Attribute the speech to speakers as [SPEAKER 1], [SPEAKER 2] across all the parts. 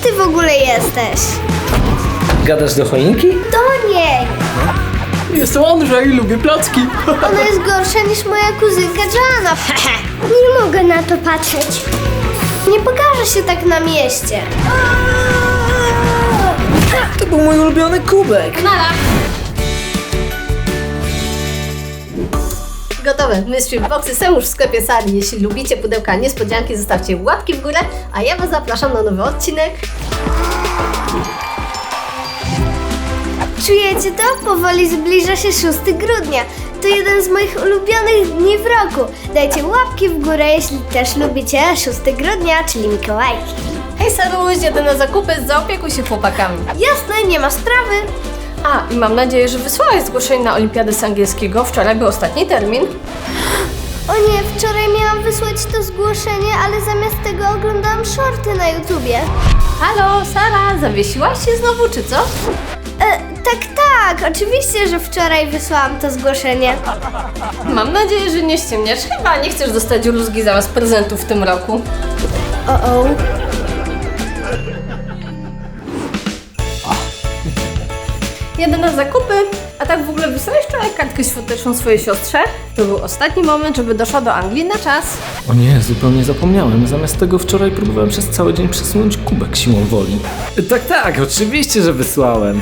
[SPEAKER 1] ty w ogóle jesteś?
[SPEAKER 2] Gadasz do choinki?
[SPEAKER 1] Do niej!
[SPEAKER 2] Jestem Andrzej, lubię placki.
[SPEAKER 1] Ona jest gorsza niż moja kuzynka Joanna. Nie mogę na to patrzeć. Nie pokaże się tak na mieście.
[SPEAKER 2] To był mój ulubiony kubek.
[SPEAKER 3] Nara! Gotowe. Mystery Boxy są już w sklepie Sari. Jeśli lubicie pudełka niespodzianki, zostawcie łapki w górę, a ja was zapraszam na nowy odcinek.
[SPEAKER 1] Czujecie to? Powoli zbliża się 6 grudnia. To jeden z moich ulubionych dni w roku. Dajcie łapki w górę, jeśli też lubicie 6 grudnia, czyli Mikołajki.
[SPEAKER 3] Hej Saruś, jadę na zakupy, zaopiekuj się chłopakami.
[SPEAKER 1] Jasne, nie ma sprawy.
[SPEAKER 3] A, i mam nadzieję, że wysłałaś zgłoszenie na olimpiadę z angielskiego. Wczoraj był ostatni termin.
[SPEAKER 1] O nie, wczoraj miałam wysłać to zgłoszenie, ale zamiast tego oglądałam shorty na YouTubie.
[SPEAKER 3] Halo, Sara, zawiesiłaś się znowu, czy co?
[SPEAKER 1] Tak, oczywiście, że wczoraj wysłałam to zgłoszenie.
[SPEAKER 3] Mam nadzieję, że nie ściemniasz. Chyba nie chcesz dostać rózgi zamiast prezentów w tym roku.
[SPEAKER 1] O.
[SPEAKER 3] Jadę na zakupy, a tak w ogóle wysłałeś wczoraj kartkę świąteczną swojej siostrze? To był ostatni moment, żeby doszła do Anglii na czas.
[SPEAKER 2] O nie, zupełnie zapomniałem. Zamiast tego wczoraj próbowałem przez cały dzień przesunąć kubek siłą woli. Tak, oczywiście, że wysłałem.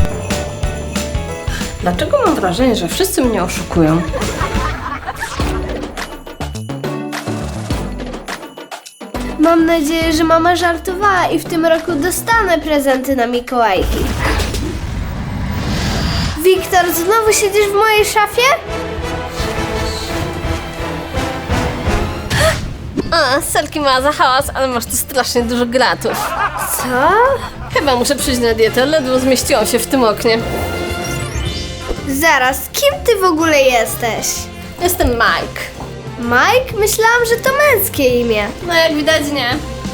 [SPEAKER 3] Dlaczego mam wrażenie, że wszyscy mnie oszukują?
[SPEAKER 1] Mam nadzieję, że mama żartowała i w tym roku dostanę prezenty na Mikołajki. Wiktor, znowu siedzisz w mojej szafie?
[SPEAKER 3] A, Selki ma za hałas, ale masz tu strasznie dużo gratów.
[SPEAKER 1] Co?
[SPEAKER 3] Chyba muszę przyjść na dietę, ledwo zmieściłam się w tym oknie.
[SPEAKER 1] Zaraz, kim ty w ogóle jesteś?
[SPEAKER 3] Jestem Mike.
[SPEAKER 1] Mike? Myślałam, że to męskie imię.
[SPEAKER 3] No jak widać nie.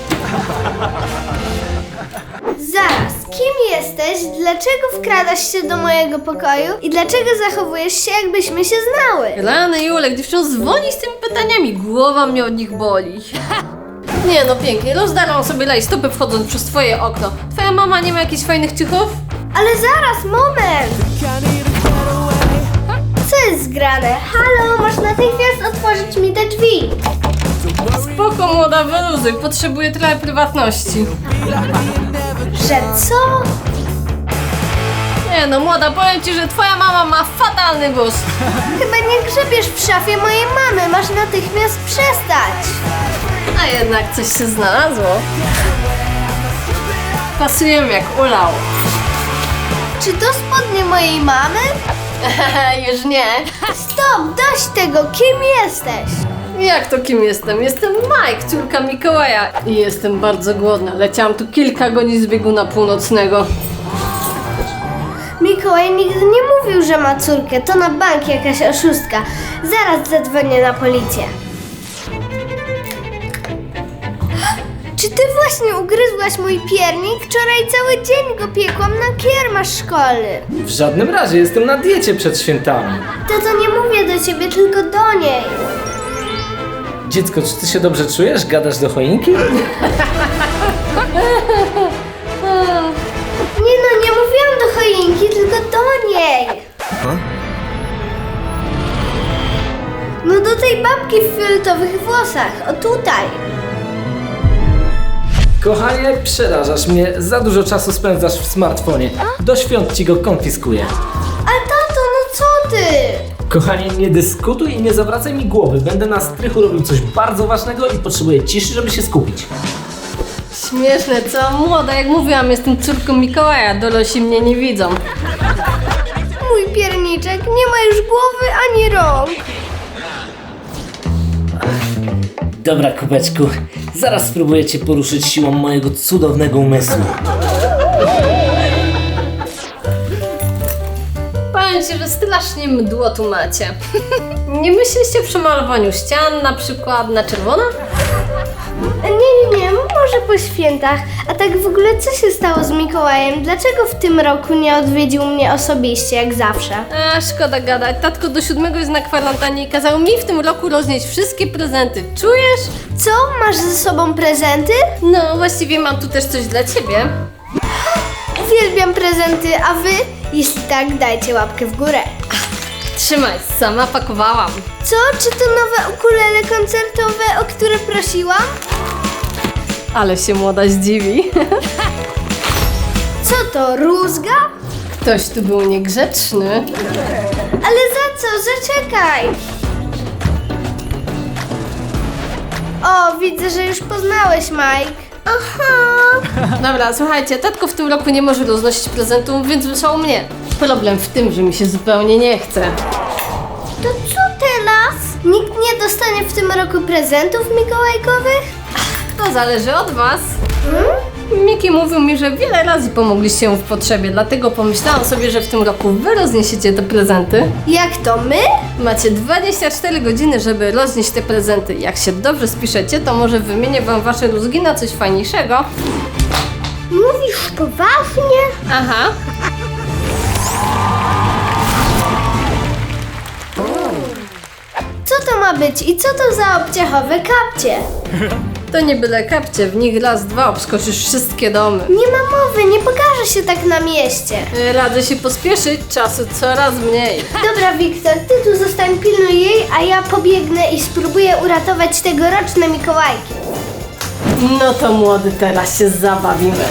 [SPEAKER 1] Zaraz, kim jesteś? Dlaczego wkradasz się do mojego pokoju? I dlaczego zachowujesz się, jakbyśmy się znały?
[SPEAKER 3] Rany Julek, dziewczyno, zwolnij z tymi pytaniami, głowa mnie od nich boli. Nie no, pięknie, rozdarłam sobie rajstopy wchodząc przez twoje okno. Twoja mama nie ma jakichś fajnych ciuchów?
[SPEAKER 1] Ale zaraz, moment! Co jest zgrane? Halo, masz natychmiast otworzyć mi te drzwi.
[SPEAKER 3] Spoko, młoda, wyluzuj, potrzebuję trochę prywatności.
[SPEAKER 1] Że co?
[SPEAKER 3] Nie no, młoda, powiem ci, że twoja mama ma fatalny gust.
[SPEAKER 1] Chyba nie grzebiesz w szafie mojej mamy, masz natychmiast przestać.
[SPEAKER 3] A jednak coś się znalazło. Pasujemy jak ulał.
[SPEAKER 1] Czy to spodnie mojej mamy?
[SPEAKER 3] Już nie.
[SPEAKER 1] Stop, dość tego, kim jesteś?
[SPEAKER 3] Jak to kim jestem? Jestem Mike, córka Mikołaja. I jestem bardzo głodna. Leciałam tu kilka godzin z bieguna północnego.
[SPEAKER 1] Mikołaj nigdy nie mówił, że ma córkę, to na bank jakaś oszustka. Zaraz zadzwonię na policję. Czy ty właśnie ugryzłaś mój piernik? Wczoraj cały dzień go piekłam na kiermasz szkolny.
[SPEAKER 2] W żadnym razie, jestem na diecie przed świętami.
[SPEAKER 1] To nie mówię do ciebie, tylko do niej.
[SPEAKER 2] Dziecko, czy ty się dobrze czujesz? Gadasz do choinki?
[SPEAKER 1] Nie mówiłam do choinki, tylko do niej. No do tej babki w fioletowych włosach, o tutaj.
[SPEAKER 2] Kochanie, przerażasz mnie. Za dużo czasu spędzasz w smartfonie. Do świąt ci go konfiskuję.
[SPEAKER 1] Ale tato, no co ty?
[SPEAKER 2] Kochanie, nie dyskutuj i nie zawracaj mi głowy. Będę na strychu robił coś bardzo ważnego i potrzebuję ciszy, żeby się skupić.
[SPEAKER 3] Śmieszne, co? Młoda, jak mówiłam, jestem córką Mikołaja. Dorośli mnie nie widzą.
[SPEAKER 1] Mój pierniczek nie ma już głowy ani rąk.
[SPEAKER 2] Dobra, kubeczku. Zaraz spróbuję cię poruszyć siłą mojego cudownego umysłu.
[SPEAKER 3] Powiem ci, że strasznie mdło tu macie. Nie myśleliście przy malowaniu ścian na przykład na czerwono?
[SPEAKER 1] Nie, może po świętach. A tak w ogóle co się stało z Mikołajem? Dlaczego w tym roku nie odwiedził mnie osobiście, jak zawsze?
[SPEAKER 3] A, szkoda gadać. Tatko do 7 jest na kwarantannie i kazał mi w tym roku roznieść wszystkie prezenty. Czujesz?
[SPEAKER 1] Co? Masz ze sobą prezenty?
[SPEAKER 3] No, właściwie mam tu też coś dla ciebie.
[SPEAKER 1] Uwielbiam prezenty, a wy? Jeśli tak, dajcie łapkę w górę.
[SPEAKER 3] Trzymaj, sama pakowałam.
[SPEAKER 1] Co? Czy to nowe ukulele koncertowe, o które prosiłam?
[SPEAKER 3] Ale się młoda zdziwi.
[SPEAKER 1] Co to, rózga?
[SPEAKER 3] Ktoś tu był niegrzeczny.
[SPEAKER 1] Ale za co? Zaczekaj! O, widzę, że już poznałeś, Mike. Aha!
[SPEAKER 3] Dobra, słuchajcie, tatko w tym roku nie może roznosić prezentów, więc wysłał mnie. Problem w tym, że mi się zupełnie nie chce.
[SPEAKER 1] To co teraz? Nikt nie dostanie w tym roku prezentów mikołajkowych?
[SPEAKER 3] To zależy od was. Miki mówił mi, że wiele razy pomogliście mu w potrzebie, dlatego pomyślałam sobie, że w tym roku wy rozniesiecie te prezenty.
[SPEAKER 1] Jak to my?
[SPEAKER 3] Macie 24 godziny, żeby roznieść te prezenty. Jak się dobrze spiszecie, to może wymienię wam wasze rózgi na coś fajniejszego.
[SPEAKER 1] Mówisz poważnie?
[SPEAKER 3] Aha.
[SPEAKER 1] Co to ma być i co to za obciachowe kapcie?
[SPEAKER 3] To nie byle kapcie, w nich raz, dwa obskoczysz wszystkie domy.
[SPEAKER 1] Nie ma mowy, nie pokaże się tak na mieście.
[SPEAKER 3] Radzę się pospieszyć, czasu coraz mniej.
[SPEAKER 1] Dobra, Wiktor, ty tu zostań, pilnuj jej, a ja pobiegnę i spróbuję uratować tegoroczne Mikołajki.
[SPEAKER 3] No to młody, teraz się zabawimy.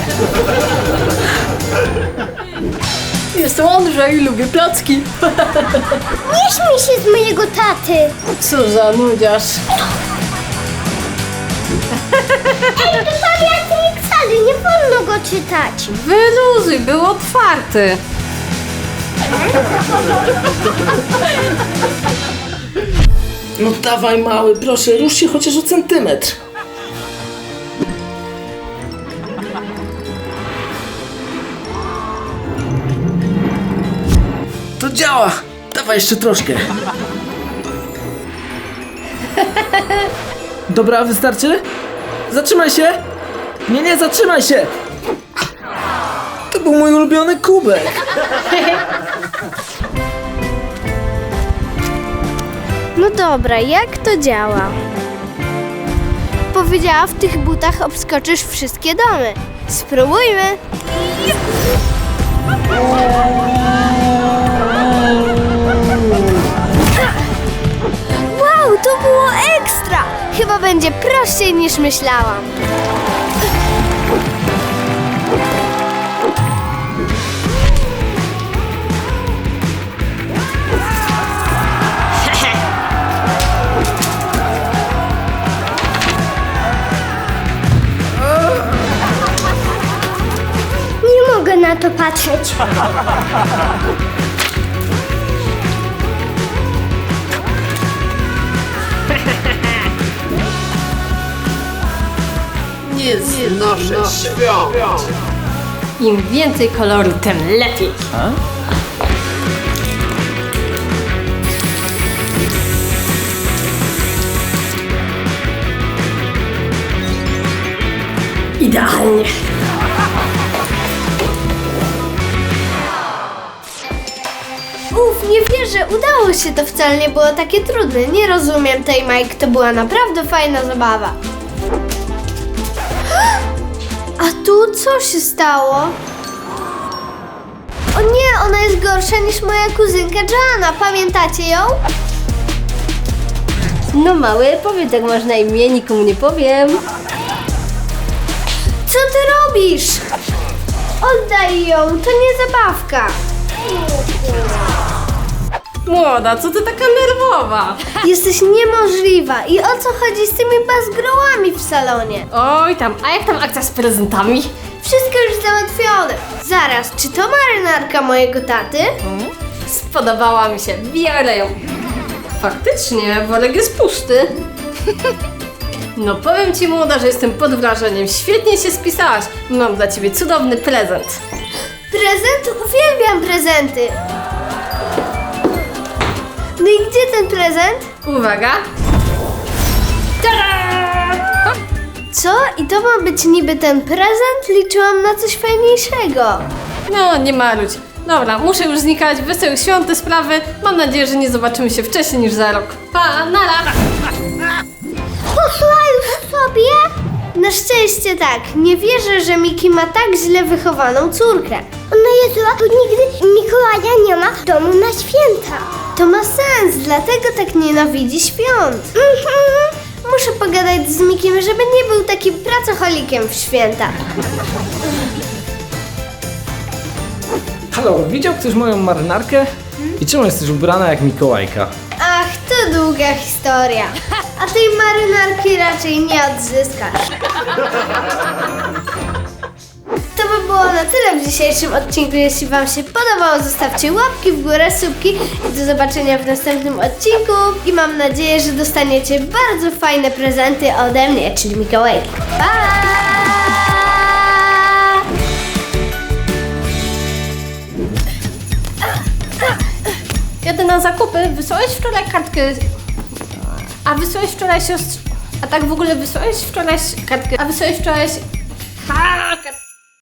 [SPEAKER 3] Jestem Andrzej i lubię placki.
[SPEAKER 1] Nie śmiej się z mojego taty!
[SPEAKER 3] Co za nudziarz.
[SPEAKER 1] Ej, to pamiętnik wcale, nie wolno go czytać.
[SPEAKER 3] Wyluzuj, był otwarty.
[SPEAKER 2] No dawaj mały, proszę, rusz się chociaż o centymetr. To działa! Dawaj jeszcze troszkę. Dobra, wystarczy? Zatrzymaj się! Nie, zatrzymaj się! To był mój ulubiony kubek.
[SPEAKER 1] No dobra, jak to działa? Powiedziała, w tych butach obskoczysz wszystkie domy. Spróbujmy. Wow, to było ekstra! Chyba będzie prościej niż myślałam. Nie mogę na to patrzeć.
[SPEAKER 2] Nie znoszę świąt.
[SPEAKER 3] Im więcej koloru, tym lepiej. Idealnie.
[SPEAKER 1] Nie wierzę, udało się, to wcale nie było takie trudne. Nie rozumiem tej, Mike, to była naprawdę fajna zabawa. A tu co się stało? O nie, ona jest gorsza niż moja kuzynka Joanna, pamiętacie ją?
[SPEAKER 3] No mały, powiedz jak masz na imię, nikomu nie powiem.
[SPEAKER 1] Co ty robisz? Oddaj ją, to nie zabawka.
[SPEAKER 3] Młoda, co ty taka nerwowa?
[SPEAKER 1] Jesteś niemożliwa. I o co chodzi z tymi bazgrołami w salonie?
[SPEAKER 3] Oj tam, a jak tam akcja z prezentami?
[SPEAKER 1] Wszystko już załatwione. Zaraz, czy to marynarka mojego taty?
[SPEAKER 3] Spodobała mi się, biorę ją. Faktycznie, worek jest pusty. No powiem ci młoda, że jestem pod wrażeniem. Świetnie się spisałaś. Mam dla ciebie cudowny prezent.
[SPEAKER 1] Prezent? Uwielbiam prezenty. No i gdzie ten prezent?
[SPEAKER 3] Uwaga. Tada!
[SPEAKER 1] Co? I to ma być niby ten prezent? Liczyłam na coś fajniejszego.
[SPEAKER 3] No, nie marudź. Dobra, muszę już znikać, wesołych świąt te sprawy. Mam nadzieję, że nie zobaczymy się wcześniej niż za rok. Pa, nara!
[SPEAKER 1] Poszła już sobie? Na szczęście tak. Nie wierzę, że Miki ma tak źle wychowaną córkę.
[SPEAKER 4] Ona jest zła, bo nigdy Mikołaja nie ma w domu na święta.
[SPEAKER 1] To ma sens, dlatego tak nienawidzi świąt. Muszę pogadać z Mikiem, żeby nie był takim pracocholikiem w święta.
[SPEAKER 2] Halo, widział ktoś moją marynarkę? I czemu jesteś ubrana jak Mikołajka?
[SPEAKER 1] Ach, to długa historia. A tej marynarki raczej nie odzyskasz. To by było na tyle w dzisiejszym odcinku. Jeśli Wam się podobało, zostawcie łapki w górę, subki i do zobaczenia w następnym odcinku. I mam nadzieję, że dostaniecie bardzo fajne prezenty ode mnie, czyli Mikołajki. Pa!
[SPEAKER 3] Jadę na zakupy. Wysłałeś wczoraj kartkę... A wysłałeś wczoraj siostrze... A tak w ogóle wysłałeś wczoraj kartkę... A wysłałeś wczoraj...